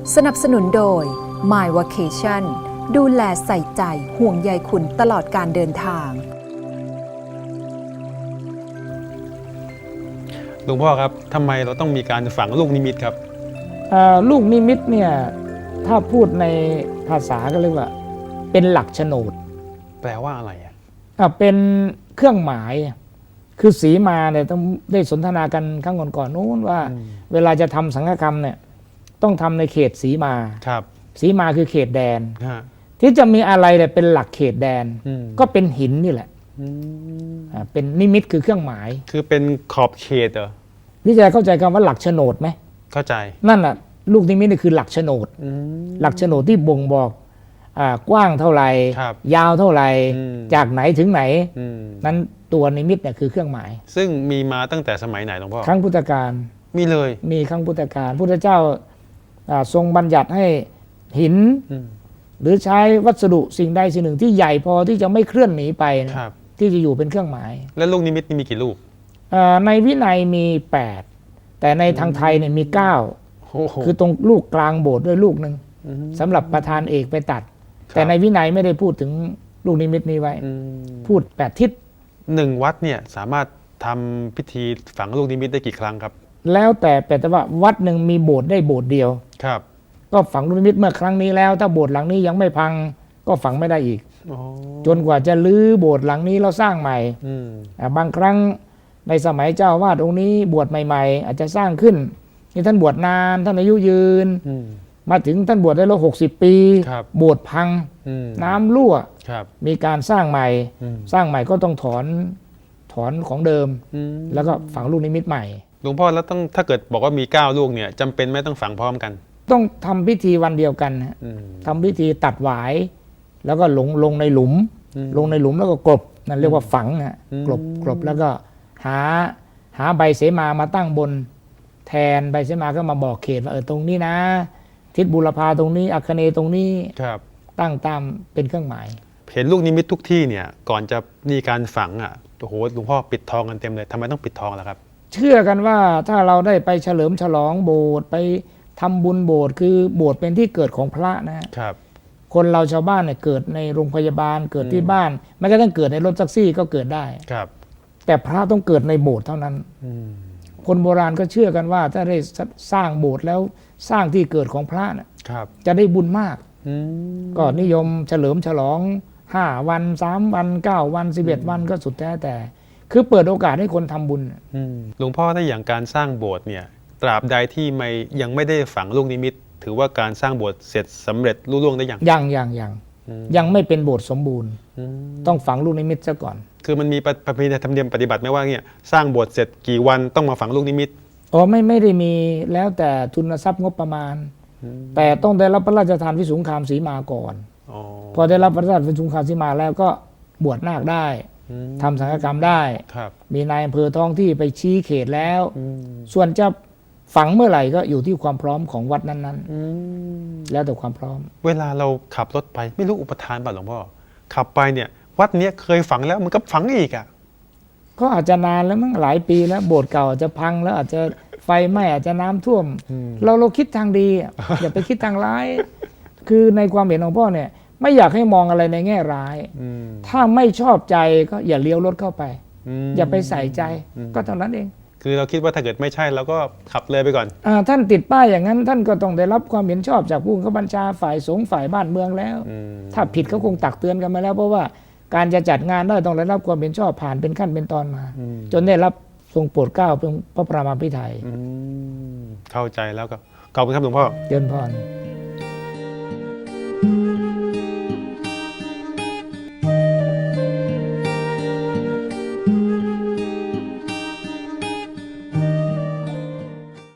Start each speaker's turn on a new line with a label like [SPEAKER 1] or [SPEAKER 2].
[SPEAKER 1] สนับสนุนโดย My Vacation ดูแลใส่ใจห่วงใยคุณตลอดการเดินทาง
[SPEAKER 2] หลวงพ่อครับทำไมเราต้องมีการฝังลูกนิมิตครับ
[SPEAKER 3] ลูกนิมิตเนี่ยถ้าพูดในภาษาก็เรียกว่าเป็นหลักโฉนด
[SPEAKER 2] แปลว่าอะไรอ่ะ
[SPEAKER 3] เป็นเครื่องหมายคือสีมาเนี่ยต้องได้สนทนากันครั้งก่อนๆนู้นว่าเวลาจะทำสังฆกรรมเนี่ยต้องทำในเขตสีมา
[SPEAKER 2] ครับ
[SPEAKER 3] สีมาคือเขตแดน
[SPEAKER 2] ที่
[SPEAKER 3] จะมีอะไรเนี่ยเป็นหลักเขตแดนก็เป็นหินนี่แหละเป็นนิมิตคือเครื่องหมาย
[SPEAKER 2] คือเป็นขอบเขตเหรอ
[SPEAKER 3] นี่จะเข้าใจคำว่าหลักโฉนดไหม
[SPEAKER 2] เข้าใจ
[SPEAKER 3] นั่นแหละลูกนิมิตนี่คือหลักโฉนดหลักโฉนดที่บ่งบอกกว้างเท่าไหร่ยาวเท่าไหร่จากไหนถึงไหนนั้นตัวนิมิตเนี่ยคือเครื่องหมาย
[SPEAKER 2] ซึ่งมีมาตั้งแต่สมัยไหนหลวงพ่อ
[SPEAKER 3] ครั้งพุทธกาล
[SPEAKER 2] มีเลย
[SPEAKER 3] มีครั้งพุทธกาลพุทธเจ้าทรงบัญญัติให้หินหรือใช้วัสดุสิ่งใดสิ่งหนึ่งที่ใหญ่พอที่จะไม่เคลื่อนหนีไปที่จะอยู่เป็นเครื่องหมาย
[SPEAKER 2] แล้วลูกนิมิตมีกี่ลูก
[SPEAKER 3] ในวินัยมี8แต่ในทางไทยเนี่ยมี9คือตรงลูกกลางโบสถ์ด้วยลูกหนึ่งสำหรับประธานเอกไปตัดแต่ในวินัยไม่ได้พูดถึงลูกนิมิตนี้ไว้พูด8ทิศ
[SPEAKER 2] 1วัดเนี่ยสามารถทำพิธีฝังลูกนิมิตได้กี่ครั้งครับ
[SPEAKER 3] แล้วแต่ว่าวัดหนึ่งมีโบสถ์ได้โบสถ์เดียว
[SPEAKER 2] ครับ
[SPEAKER 3] ก็ฝังลูกนิมิตเมื่อครั้งนี้แล้วถ้าโบสถ์หลังนี้ยังไม่พังก็ฝังไม่ได้อีกจนกว่าจะรื้อโบสถ์หลังนี้แล้วสร้างใหม่บางครั้งในสมัยเจ้าวาดองค์นี้บวชใหม่ๆอาจจะสร้างขึ้นนี่ท่านบวชนานท่านอายุยืนมาถึงท่านบวชได้แล้ว60 ปีโบสถ์พังน้ำรั่วมีการสร้างใหม่สร้างใหม่ก็ต้องถอนของเดิมแล้วก็ฝังลูกนิมิตใหม่
[SPEAKER 2] หลวงพ่อแล้วต้องถ้าเกิดบอกว่ามี9ลูกเนี่ยจำเป็นไม่ต้องฝังพร้อมกัน
[SPEAKER 3] ต้องทำพิธีวันเดียวกันทำพิธีตัดหวายแล้วก็ลงในหลุมแล้วก็กลบนั่นเรียกว่าฝังกลบแล้วก็หาใบเสมาตั้งบนแทนใบเสมาก็มาบอกเขตว่าตรงนี้นะทิศบุรพาตรงนี้อัคเนย์ตรงนี้ตั้งตามเป็นเครื่องหมาย
[SPEAKER 2] เห็นลูกนิมิตทุกที่เนี่ยก่อนจะมีการฝังโอ้โหหลวงพ่อปิดทองกันเต็มเลยทำไมต้องปิดทองล่ะครับ
[SPEAKER 3] เชื่อกันว่าถ้าเราได้ไปเฉลิมฉลองโบสถ์ไปทำบุญโบสถ์คือโบสถ์เป็นที่เกิดของพระนะครับคนเราชาวบ้านเนี่ยเกิดในโรงพยาบาลเกิดที่บ้านไม่ก็ต้องเกิดในรถแท็กซี่ก็เกิดได้
[SPEAKER 2] ครับ
[SPEAKER 3] แต่พระต้องเกิดในโบสถ์เท่านั้นคนโบราณก็เชื่อกันว่าถ้าได้สร้างโบสถ์แล้วสร้างที่เกิดของพระนะครับจะได้บุญมากก็นิยมเฉลิมฉลอง5 วัน3 วัน9 วัน11 วันก็สุดแท้แต่คือเปิดโอกาสให้คนทำบุญ
[SPEAKER 2] หลวงพ่อถ้าอย่างการสร้างโบสถ์เนี่ยตราบใดที่ยังไม่ได้ฝังลูกนิมิตถือว่าการสร้างโบสถ์เสร็จสำเร็จลุล่วงได้
[SPEAKER 3] ยังไม่เป็นโบสถ์สมบูรณ์ต้องฝังลูกนิมิตซะก่อน
[SPEAKER 2] คือมันมีประเพณีธรรมเนียมปฏิบัติไหมว่าเนี่ยสร้างโบสถ์เสร็จกี่วันต้องมาฝังลูกนิมิต
[SPEAKER 3] ไม่ได้มีแล้วแต่ทุนทรัพย์งบประมาณแต่ต้องได้รับพระราชทานวิสุงคามสีมาก่อนพอได้รับพระราชทานวิสุงคามสีมาแล้วก็บวชนาคได้ทำสังฆกรรมได้มีนายอำเภอท้องที่ไปชี้เขตแล้วส่วนจะฝังเมื่อไหร่ก็อยู่ที่ความพร้อมของวัดนั้นๆแล้วแต่ความพร้อม
[SPEAKER 2] เวลาเราขับรถไปไม่รู้อุปทานป่ะหลวงพ่อขับไปเนี่ยวัดนี้เคยฝังแล้วมันก็ฝังอีก
[SPEAKER 3] ก็อาจจะนานแล้วมั้งหลายปีแล้วโบสถ์เก่าอาจจะพังแล้วอาจจะไฟไหม้อาจจะน้ำท่วมเราคิดทางดีอย่าไปคิดทางร้ายคือในความเห็นของพ่อเนี่ยไม่อยากให้มองอะไรในแง่ร้ายถ้าไม่ชอบใจก็อย่าเลี้ยวรถเข้าไปอย่าไปใส่ใจก็เท่านั้นเอง
[SPEAKER 2] คือเราคิดว่าถ้าเกิดไม่ใช่เราก็ขับเลยไปก่อน
[SPEAKER 3] ท่านติดป้ายอย่างนั้นท่านก็ต้องได้รับความเห็นชอบจากผู้บังคับบัญชาฝ่ายสงฆ์ฝ่ายบ้านเมืองแล้วถ้าผิดเขาคงตักเตือนกันมาแล้วเพราะว่าการจะจัดงานได้ต้องได้รับความเห็นชอบผ่านเป็นขั้นเป็นตอนมาจนได้รับทรงโปรดเกล้าเป็นพระประมาพิไทย
[SPEAKER 2] เข้าใจแล้วก็ขอบคุณครับหลวงพ่อ
[SPEAKER 3] เจริญพร